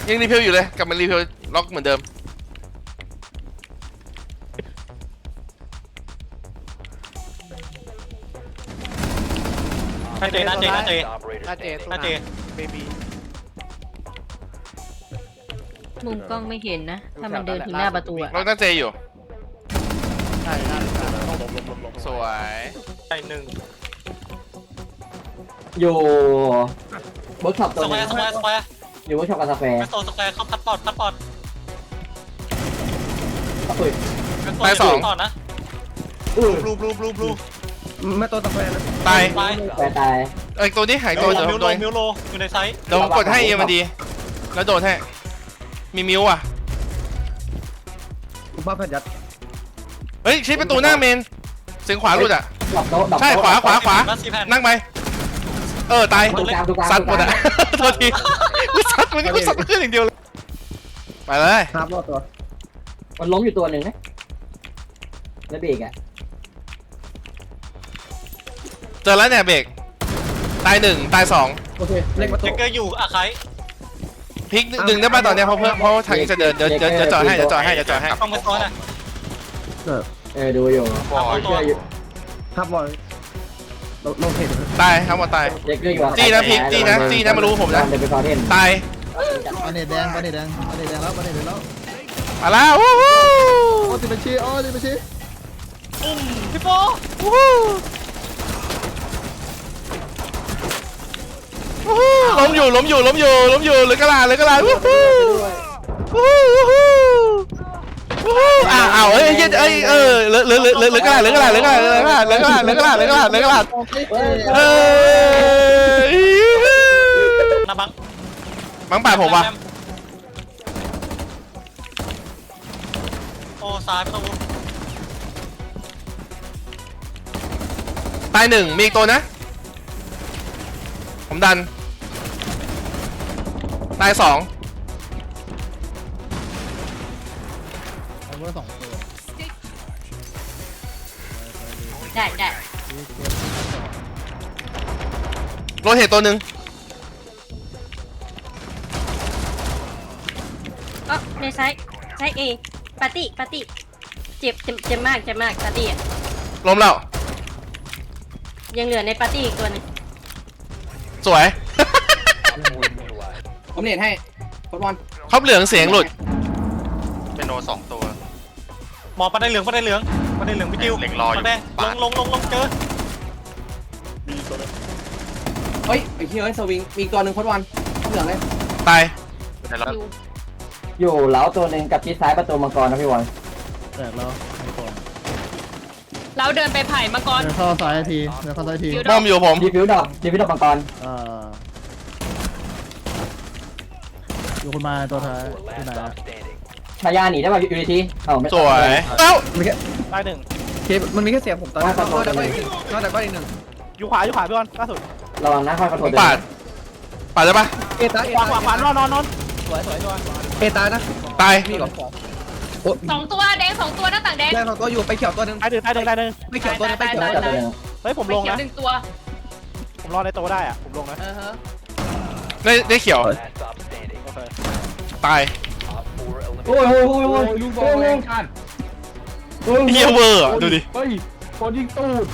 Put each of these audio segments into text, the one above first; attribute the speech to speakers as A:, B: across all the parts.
A: ยังรีเพลอยู่เลยกลับมารีเพลล็อกเหมือนเดิม
B: น่าเจน่าเจน่าเจ
C: น่าเจ
B: น่าเจ
C: เบบี
D: มุมกล้องไม่เห็นนะถ้ามันเดินถึงหน้าประตูอะ
A: ล็อกตั้งเจอยู่
C: ใช่น่าจะต้องลบ
A: สวย
B: ใช่หนึ่ง
E: อยู่เวิร์กช็อป
B: ส
E: ตัว
B: แค
E: นึ
B: ว
E: ง
B: ร์สแควร์สแควร์
E: อยู่เวิร์กช็อปกับสแควร์
B: แมสโตสแควร์เข้าพัดปอดพัดปอด
E: อุ้ย
B: แมสโตพัดปอดนะ
E: อุ้ย
C: บลู
F: ไม่ตัวตะแคง
A: ตาย
B: ตาย
E: แควร์ตาย
A: ตัวนี้หายตัวเดี๋ยว
B: มิว
A: โด
B: โล
A: น
B: มิวโลอยู่ในไซส์
A: เดี๋ยวผมกดให้เอ็มมันดีแล้วโดนให้มีมิวอ่ะ
F: คุณป้าแพทย์ยัด
A: เฮ้ยชี้ประตูหน้าเมนเสียงขวาหลุดอ่ะ
E: ดอกโต๊ะดอก
A: ใช่
E: โต๊ะ
A: ขวา
B: รัสซีแพน
A: นั่งไปตาย
E: ดูกลางดูกลาง
A: ซัดหมดอ่ะโทษทีกูซัดมันก็ซัดขึ้นอย่างเดียวเลยไปเลย
F: ครับรอดตัว
E: มันล้มอยู่ตัวหนึ่งนะแล้วเบรกอ่ะ
A: เจอแล้วเนี่ยเบรกตาย1ตาย2
F: โอเคเล็กประตู
B: เจเกอร์อยู่อาไค
A: พลิกดึงได้ป่ะตอนเนี้ยเพราะทางนี้จะเดินเดี๋ยวจอดให้
B: ต้องไปซ้อนอ่ะ
E: ดูอยู่
A: บอย
E: เชื่ออยู่
F: ครับบอลโลเทต
A: ตายทั้งหมดตาย
E: เด็กเรื่องอยู่
A: จี้นะพลิกจี้นะมารู้ผมนะ
E: เดินไปคอเทน
A: ตาย
F: ปาเนตแดงปาเนตแดงปาเนตแดงแล้วปาเนตแดงแล้ว
A: มาแล้ววู้ฮู้
F: โอ้ติบัญชีโอ้ติบัญชี
B: พี่โฟ
A: วู้ฮู้วู้ฮู้ล้มอยู่เหลือกระลาวู้ฮู้วู้ฮู้วู้ฮู้อ้าวเอ้ยเหลือกระลาเอ้ย
B: นาบัง
A: บังป่าผมว่ะ
B: โอ้ซ้ายประตู
A: ตาย1มีอีกตัวนะผมดันตาย2
F: เอาเบอร์2ตัว
D: ได้
A: โรเทตตัวหนึ่ง
D: ก็ในไซส์เอปาร์ตี้เจ็บมากปาร์ตี้อะ
A: ล้มแล้ว
D: ยังเหลือในปาร์ตี้อีกตัวนึง
A: สวย
E: ผมเน็ตให้ฟุตบอล
A: ครบเหลืองเสียงหลุด
C: เป็นโน2ตัว
B: หมอปันได้เหลืองพี่จิวแดงลงเจอ
E: เฮ้ยไอ้ที่สวิงมีตัวหนึ่งฟุตบอลเหลืองเลย
A: ตาย
E: อยู่เหลาตัวหนึ่งกับชิดซ้ายประตูมังกรนะพี่บอล
F: แตกแล้วไม่ก่อน
D: เราเดินไปไผ่มาก่อน
F: เดินเข้าซ้ายทีเดินเข้าซ้ายที
A: บอมอยู่ผม
E: ดีฟิวดอกมังกร
F: อยู่คนมาตัวท้ายที่ไหน
E: ชายาหนีได้ป่ะยูนิทีไม่
A: สวยเอ้า
F: มีแค่
B: ตายหนึ่ง
F: เคมันมีแค่เสียงผมตอนนี้นอกจากก็อีกหนึ่ง
C: อยู่ขวาพี่บอลล่าสุด
E: ระวังนะค่อยขอโท
A: ผ
E: ษ
A: มปาดได้ปะ
F: เอตา
C: ขวานอน
F: เอตานะ
A: ตาย
F: พี่ก่อน
D: 2 ตัวแดง2 ตัวหน้าต่างแดง
F: แรกเราก็อยู่ไปเขียวตัวนึง
C: ตายหนึ่ง
F: ไปเขียวตัวนึงไปเขียว
E: ตัวหนึ่ง
C: เฮ้ยผมลงนะ
D: 1 ตัว
C: ผมรอในโตได้อะผมลงนะ
A: ได้เขียวตาย
E: โอ้ยลูกบอลแรงกัน
A: เฮียเวอร์ดูดิ
E: เฮ้ยคนยิงตูด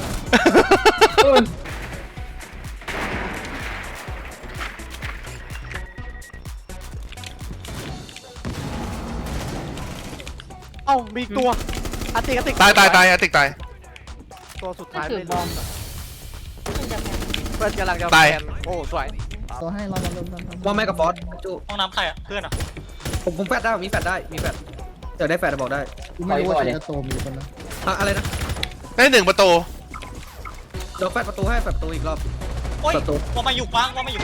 C: เอ้ามีตัวอาติก
A: ตายอะติกตาย
C: ตัวสุดท้ายเลย
D: มันจะ
C: เพื่อนกำลังจะโอ้สวย
F: ตัวให้เราว่าแม่กับฟอสจู
B: ห้องน้ำใครอ่ะเพื่อนอ่ะ
F: ผมแฟดได้มีแฟดได้มีแฟดเดี๋ยวได้แฟดบอกได้ไม่รู้ว่าจะโตมีคนนะอะไรนะ
A: ได้1ประตู
F: เดี๋ยวแฟดประตูให้แฟดประตูอีกรอบ
B: โอ้ยว่ามาอยู่กวางแล้ว20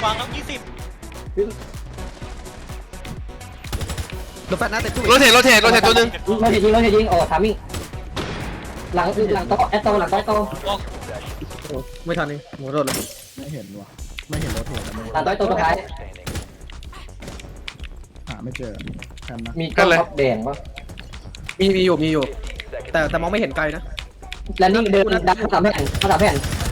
F: เดี๋ยวแฟดนะแต่ตู้
A: โรเทตตัวหนึ่ง
E: เราจะยิงโอ้ทามิ่งหลังโต๊ะโต๊ะหลังโต๊ะ
F: ไม่ทันนี่หมดรถเลยไม่เห็นว่ะไม่เห็นรถเห็น
E: หลังโต๊ะตัวสุดท้าย
F: หาไม่เจอแคนนะ
E: มีกล้องแดงป่ะ
F: มีอยู่แต่มองไม่เห็นไกลนะ
E: แล้วนี่เดินดันเขาทำแผ่น